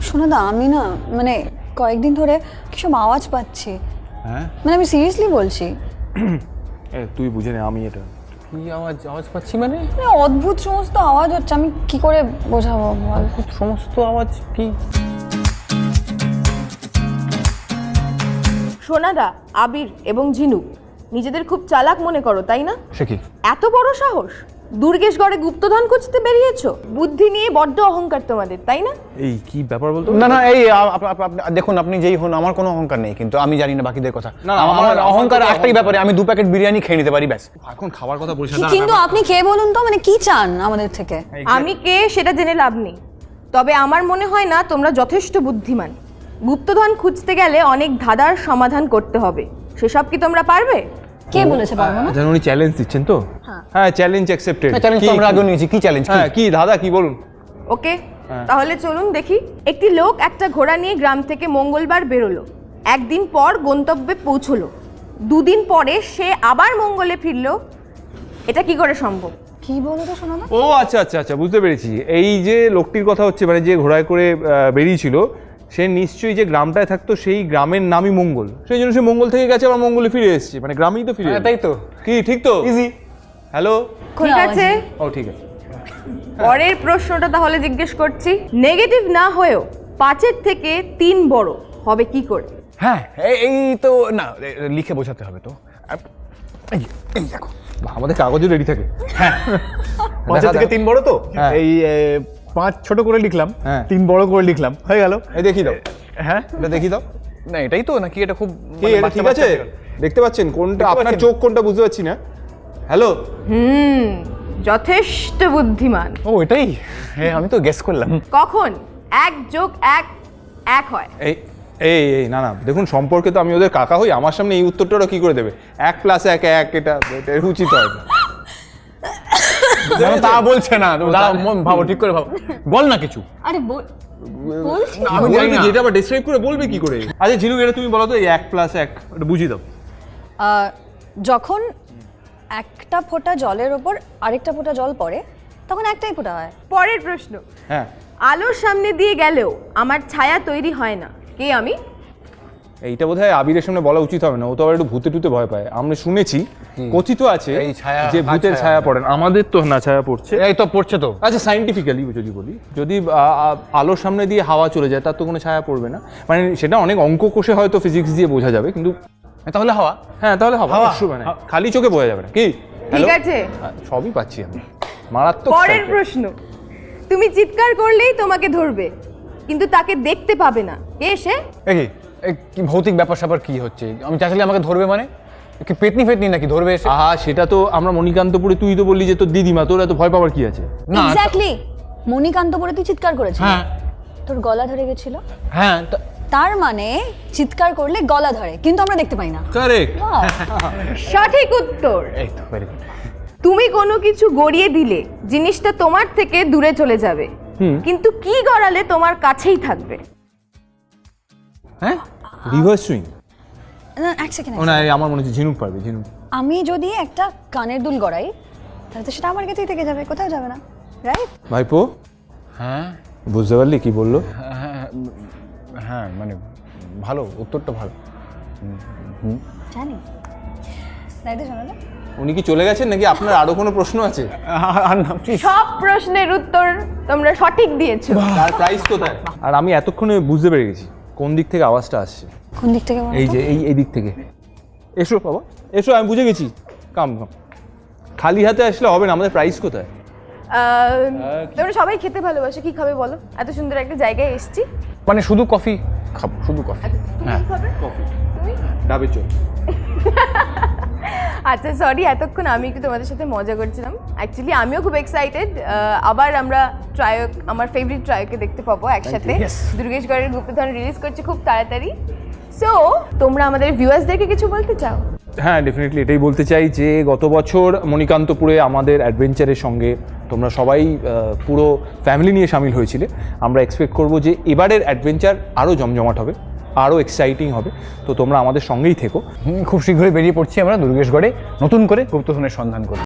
শোনো দা, আমি না মানে কয়েকদিন ধরে কিসব আওয়াজ পাচ্ছি। হ্যাঁ মানে আমি সিরিয়াসলি বলছি। তুই বুঝে নে, আমি এটা কি আওয়াজ পাচ্ছি মানে অদ্ভুত সমস্ত আওয়াজ হচ্ছে, আমি কি করে বোঝাবো বল? সমস্ত আওয়াজ কি? সোনাদা, আবির এবং ঝিনুক নিজেদের খুব চালাক মনে করো, তাই না? সে কি? এত বড় সাহস! দুর্গেশগড়ে গুপ্তধন খুঁজতে বেরিয়েছো? বুদ্ধি নিয়ে বড্ড অহংকার তোমাদের, তাই না? এই কি ব্যাপার বলতো? না না, এই দেখুন, আপনি যেই হন, আমার কোনো অহংকার নেই, কিন্তু আমি জানি না বাকিদের কথা। না, আমার অহংকার একটাই ব্যাপারে, আমি 2 প্যাকেট বিরিয়ানি খেয়ে নিতে পারি, ব্যাস। এখন খাবার কথা বলছিস না। কিন্তু আপনি কে বলুন তো, মানে কি চান আমাদের থেকে? আমি কে সেটা জেনে লাভ নেই, তবে আমার মনে হয় না তোমরা যথেষ্ট বুদ্ধিমান। গুপ্তধন খুঁজতে গেলে অনেক ধাঁধার সমাধান করতে হবে, সেসব কি তোমরা পারবে? কে বলেছে পারবো না? জানো উনি চ্যালেঞ্জ দিচ্ছেন তো? হ্যাঁ, চ্যালেঞ্জ অ্যাকসেপ্টেড। চ্যালেঞ্জ তো আমরা আগে নিয়েছি। কি চ্যালেঞ্জ? হ্যাঁ, কি দাদা কি বলুন? ওকে, তাহলে চলুন দেখি। একটি লোক একটা ঘোড়া নিয়ে গ্রাম থেকে মঙ্গলবার বেরোলো। একদিন পর গন্তব্যে পৌঁছলো। 2 দিন পরে সে আবার মঙ্গলে ফিরলো। এটা কি করে সম্ভব? কি বলো তো শোনো না। ও আচ্ছা আচ্ছা আচ্ছা, বুঝতে পেরেছি। এই যে লোকটির কথা হচ্ছে, মানে যে ঘোড়ায় করে বেরিয়েছিল, সে নিশ্চয়ই যে গ্রামটায় থাকতো সেই গ্রামের নামই মঙ্গল, সেই জন্য সে মঙ্গল থেকে গেছে, আবার মঙ্গলে ফিরে এসেছে, মানে গ্রামেই তো ফিরে এলো। তাই তো। কি ঠিক তো? ইজি। হ্যালো, ঠিক আছে, ও ঠিক আছে। পরের প্রশ্নটা তাহলে জিজ্ঞেস করছি। নেগেটিভ না হয়েও 5-এর থেকে 3 বড় হবে কি করে? হ্যাঁ, এই তো না, লিখে বোঝাতে হবে তো। এই দেখো, আমাদের কাগজও রেডি থাকে। 5 থেকে 3 বড় তো, হ্যাঁ। এই 5 ছোট করে লিখলাম, হ্যাঁ। 3 বড় করে লিখলাম, হয়ে গেল। এই দেখি দাও, হ্যাঁ, এটা দেখি দাও। না এটাই তো নাকি? এটা খুব কি এটা ঠিক আছে? দেখতে পাচ্ছেন কোনটা? আপনার পাচ্ছেন? চোখ কোনটা বুঝতে পারছি না। হ্যালো, যথেষ্ট বুদ্ধিমান। ও এটাই? হ্যাঁ, আমি তো গেস করলাম। কখন 1 + 1 1 হয়? এই এই এই না না, দেখুন সম্পর্কে তো আমি ওদের কাকা হই, আমার সামনে এই উত্তরটা ওরা কি করে দেবে? 1 + 1 1, এটা উচিত হয় না। তা বলছে না, ভাবো, ঠিক করে ভাবো, বল না কিছু। আরে বলছি আমি জানি না। যেটা আবার ডেসক্রাইব করে বলবে কি করে? আচ্ছা ঝিনুক, এটা তুমি বলো তো, এই 1 + 1 এটা বুঝিয়ে দাও। যখন একটা ফোঁটা জলের ওপর আরেকটা ফোঁটা জল পড়ে, তখন একটাই ফোঁটা হয়। পরের প্রশ্ন। হ্যাঁ, আলোর সামনে দিয়ে গেলেও আমার ছায়া তৈরি হয় না, কে আমি? এইটা বোধহয় আবিরের সামনে বলা উচিত হবে না, ও তো আবার একটু ভূতে টুতে ভয় পায়। আমরা শুনেছি, কথিত আছে এই ছায়া, যে ভূতের ছায়া পড়ে না। আমাদের তো না ছায়া পড়ছে। এই তো পড়ছে তো। আচ্ছা, সাইন্টিফিক্যালি যদি বলি, যদি আলোর সামনে দিয়ে হাওয়া চলে যায়, তার তো কোনো ছায়া পড়বে না। মানে সেটা অনেক অঙ্ক কষে হয়তো ফিজিক্স দিয়ে বোঝা যাবে, কিন্তু তাহলে হাওয়া। হ্যাঁ, তাহলে হাওয়া হাওয়া। মানে খালি চোখে বোঝা যাবে না। কি? ঠিক Hello? আছে, হ্যাঁ, সবই পাচ্ছি আমি। মারাত্মক। পরের প্রশ্ন। তুমি চিৎকার করলেই তোমাকে ধরবে, কিন্তু তাকে দেখতে পাবে না, কে সে? এই কি ভৌতিক ব্যাপার স্যাপার কি হচ্ছে? আমি চাইলে আমাকে ধরবে মানে কি? পেতনি ফেতনি নাকি ধরবে এসে? আহা, সেটা তো আমরা মণিকান্তপুরে, তুই তো বললি যে তোর দিদিমা, তোর এত ভয় পাওয়ার কি আছে? না। এক্স্যাক্টলি, মণিকান্তপুরে তুই চিৎকার করেছিস, হ্যাঁ তোর গলা ধরে গেছিল। হ্যাঁ, তার মানে চিৎকার করলে গলা ধরে, কিন্তু আমরা দেখতে পাই না। কারেক্ট। সঠিক উত্তর। এই তো ভেরি গুড। তুমি কোনো কিছু গড়িয়ে দিলে জিনিসটা তোমার থেকে দূরে চলে যাবে, কিন্তু কি গড়ালে তোমার কাছেই থাকবে? হ্যাঁ, রিভার্স সুইং। এক সেকেন্ড, ও না, এই আমার মনে হচ্ছে ঝিনুক পারবে। ঝিনুক, আমি যদি একটা কানের দুল গড়াই, তাহলে তো সেটা আমার কাছেই থেকে যাবে, কোথাও যাবে না, রাইট? ভাইপো হ্যাঁ বুঝতে পারলি কি বললো? হ্যাঁ হ্যাঁ, মানে ভালো, উত্তরটা ভালো। জানি, তাই তো শোনো না। উনি কি চলে গেছেন নাকি আপনার আরো কোনো প্রশ্ন আছে? আর না, please। সব প্রশ্নের উত্তর তোমরা সঠিক দিয়েছো। তার প্রাইস কোথায়? আর আমি এতক্ষণে বুঝতে পেরে গেছি কোন দিক থেকে আওয়াজটা আসছে। কোন দিক থেকে বলো এই তো? যে এই দিক থেকে। এসো বাবা, এসো, আমি বুঝে গেছি। কাম কাম, খালি হাতে আসলে হবে না। আমাদের প্রাইস কোথায়? তোমরা সবাই খেতে ভালোবাসো, কি খাবে বলো? এত সুন্দর একটা জায়গায় এসেছি। মানে শুধু কফি খাবো, শুধু কফি। তুমি কি খাবে? কফি, তুমি? ডাবের চল। আচ্ছা সরি, এতক্ষণ আমি একটু তোমাদের সাথে মজা করছিলাম। অ্যাকচুয়ালি আমিও খুব এক্সাইটেড, আবার আমরা ট্রায়ক, আমার ফেভারিট ট্রায়ককে দেখতে পাবো একসাথে। Yes. দুর্গেশগড়ের গুপ্তধন রিলিজ করছে খুব তাড়াতাড়ি। সো তোমরা আমাদের ভিউয়ার্সদেরকে কিছু বলতে চাও? হ্যাঁ, ডেফিনেটলি এটাই বলতে চাই যে গত বছর মণিকান্তপুরে আমাদের অ্যাডভেঞ্চারের সঙ্গে তোমরা সবাই পুরো ফ্যামিলি নিয়ে সামিল হয়েছিলে। আমরা এক্সপেক্ট করবো যে এবারের অ্যাডভেঞ্চার আরও জমজমাট হবে, আরও এক্সাইটিং হবে। তো তোমরা আমাদের সঙ্গেই থেকো। খুব শীঘ্রই বেরিয়ে পড়ছি আমরা দুর্গেশগড়ে নতুন করে গুপ্তধনের সন্ধান করি।